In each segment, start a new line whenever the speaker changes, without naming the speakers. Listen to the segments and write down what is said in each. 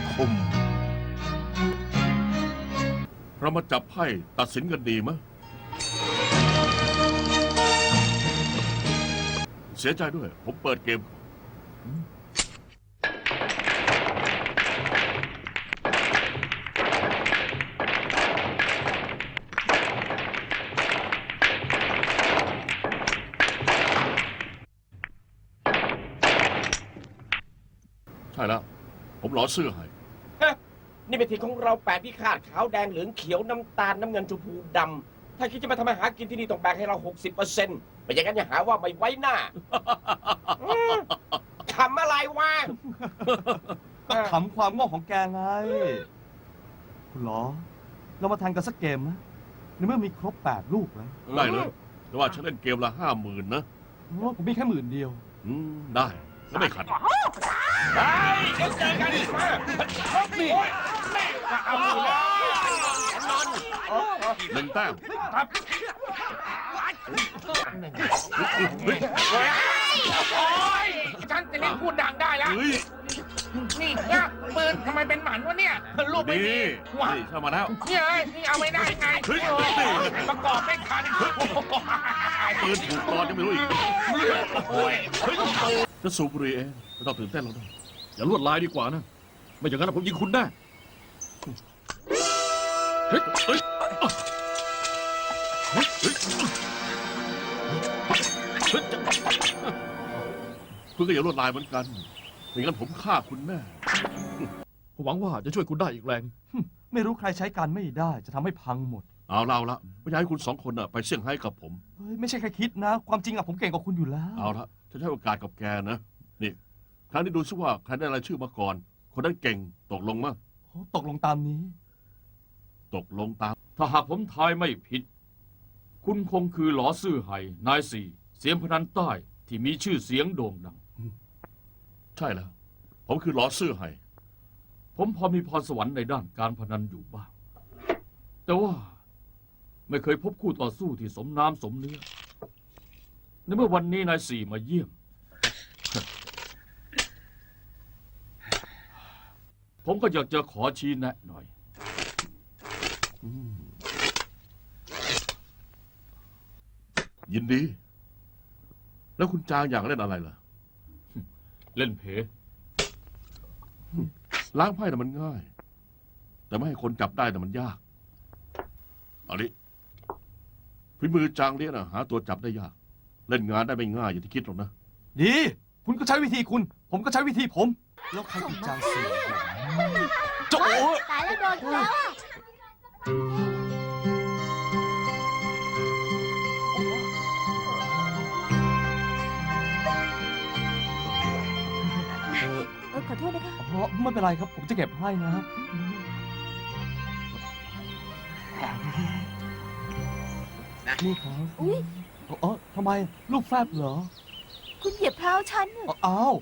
คม
เรามาจับไพ่ตัดสินกันดีมั้ยเสียใจด้วยผมเปิดเกมใช่แล้วผมหลอเสื้อให้
นี่เป็นทีของเราแปดพิฆาตขาวแดงเหลืองเขียวน้ำตาลน้ำเงินชมพูดำถ้าคิดจะมาทำอาหารกินที่นี่ต้องแบ่งให้เรา 60%ไม่อย่างนั้นอย่าหาว่าไม่ไว้หน้าขำอะไรวะ
ก็ขำความโง่ของแกไงคุณหรอเรามาแทงกันสักเกมไหมในเมื่อมีครบ8 ลูกแล้ว
ได้เลยแต่ว่าฉันเล่นเกมละ50,000นะ
ผมมีแค่10,000 เดียว
ได้แล้วไม่ขัด
ได้เดี๋ยวเจอกันอีกมานี่เอาอยู่แล้วนอน
1 แต้ม
ครับฉันจะเล่นพูดดังได้แล้วนี่เนี่ยปืนทำไมเป็นหมันวะเนี่ยลูกไม่มี
นี่เข้ามาแล้ว
นี่เอาไม่ได้ไงประกอบไม่ทัน
ปืนถูกตอนยังไม่รู้อีกจะสูบบุหรี่เองไม่ต้องตื่นเต้นแล้วนะ
อย่าลวดลายดีกว่านะไม่อย่างนั้นผมยิงคุณได้
คุณก็อย่าลวดลายเหมือนกันไม่งั้นผมฆ่าคุณแน่
ผมหวังว่าจะช่วยคุณได้อีกแรง
ไม่รู้ใครใช้การไม่ได้จะทำให้พังหมด
เอาละไม่อยากให้คุณ2 คนไปเซี่ยงไฮ้กับผม
ไม่ใช่แค่คิดนะความจริงผมเก่งกว่าคุณอยู่แล้ว
เอาละจะให้โอกาสกับแกนะนี่ครั้งนี้ดูซิว่าใครได้รายชื่อมาก่อนคนนั้นเก่งตกลงมั้ย
ตกลงตามนี้
ตกลงตาม
ถ้าหากผมทายไม่ผิดคุณคงคือหลอซื่อไห่นายสี่เสียงพนันใต้ที่มีชื่อเสียงโด่งดัง
ใช่แล้วผมคือหลอซื่อไห่
ผมพอมีพรสวรรค์ในด้านการพนันอยู่บ้างแต่ว่าไม่เคยพบคู่ต่อสู้ที่สมน้ำสมเนื้อในเมื่อวันนี้นายสี่มาเยี่ยมผมก็อยากจะขอชี้แนะหน่อย
ยินดีแล้วคุณจางอยากเล่นอะไรล่ะ
เล่นเพ
ล้างไพ่น่ะมันง่ายแต่ไม่ให้คนจับได้น่ะมันยากเอาดิฝีมือจางเลี้ยน่ะหาตัวจับได้ยากเล่นงานได้ไม่ง่ายอย่างที่คิดหรอกนะ
ดีคุณก็ใช้วิธีคุณผมก็ใช้วิธีผมแล้วใครคือจางเสียโจ้
ตายแล้วโดนแล้วขอโทษนะคะ
ไม่เป็นไรครับผมจะเก็บให้นะนี่ครับ
อุ้ย
ทำไมลูกแฟบเหรอ
คุณเหยียบเท้าฉัน
อ้าว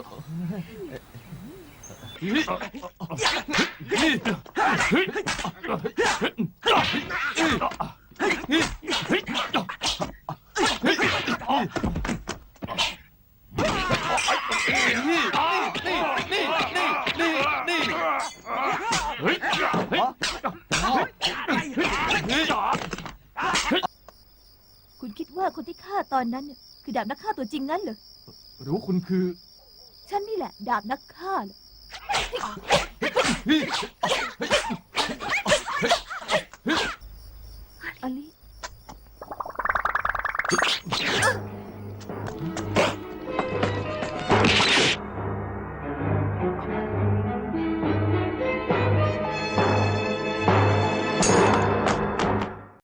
คุณคิดว่าคนที่ฆ่าตอนนั้นคือดาบนักฆ่าตัวจริงงั้นเหรอ
หรือว่าคุณคือ
ฉันนี่แหละดาบนักฆ่าเหรอ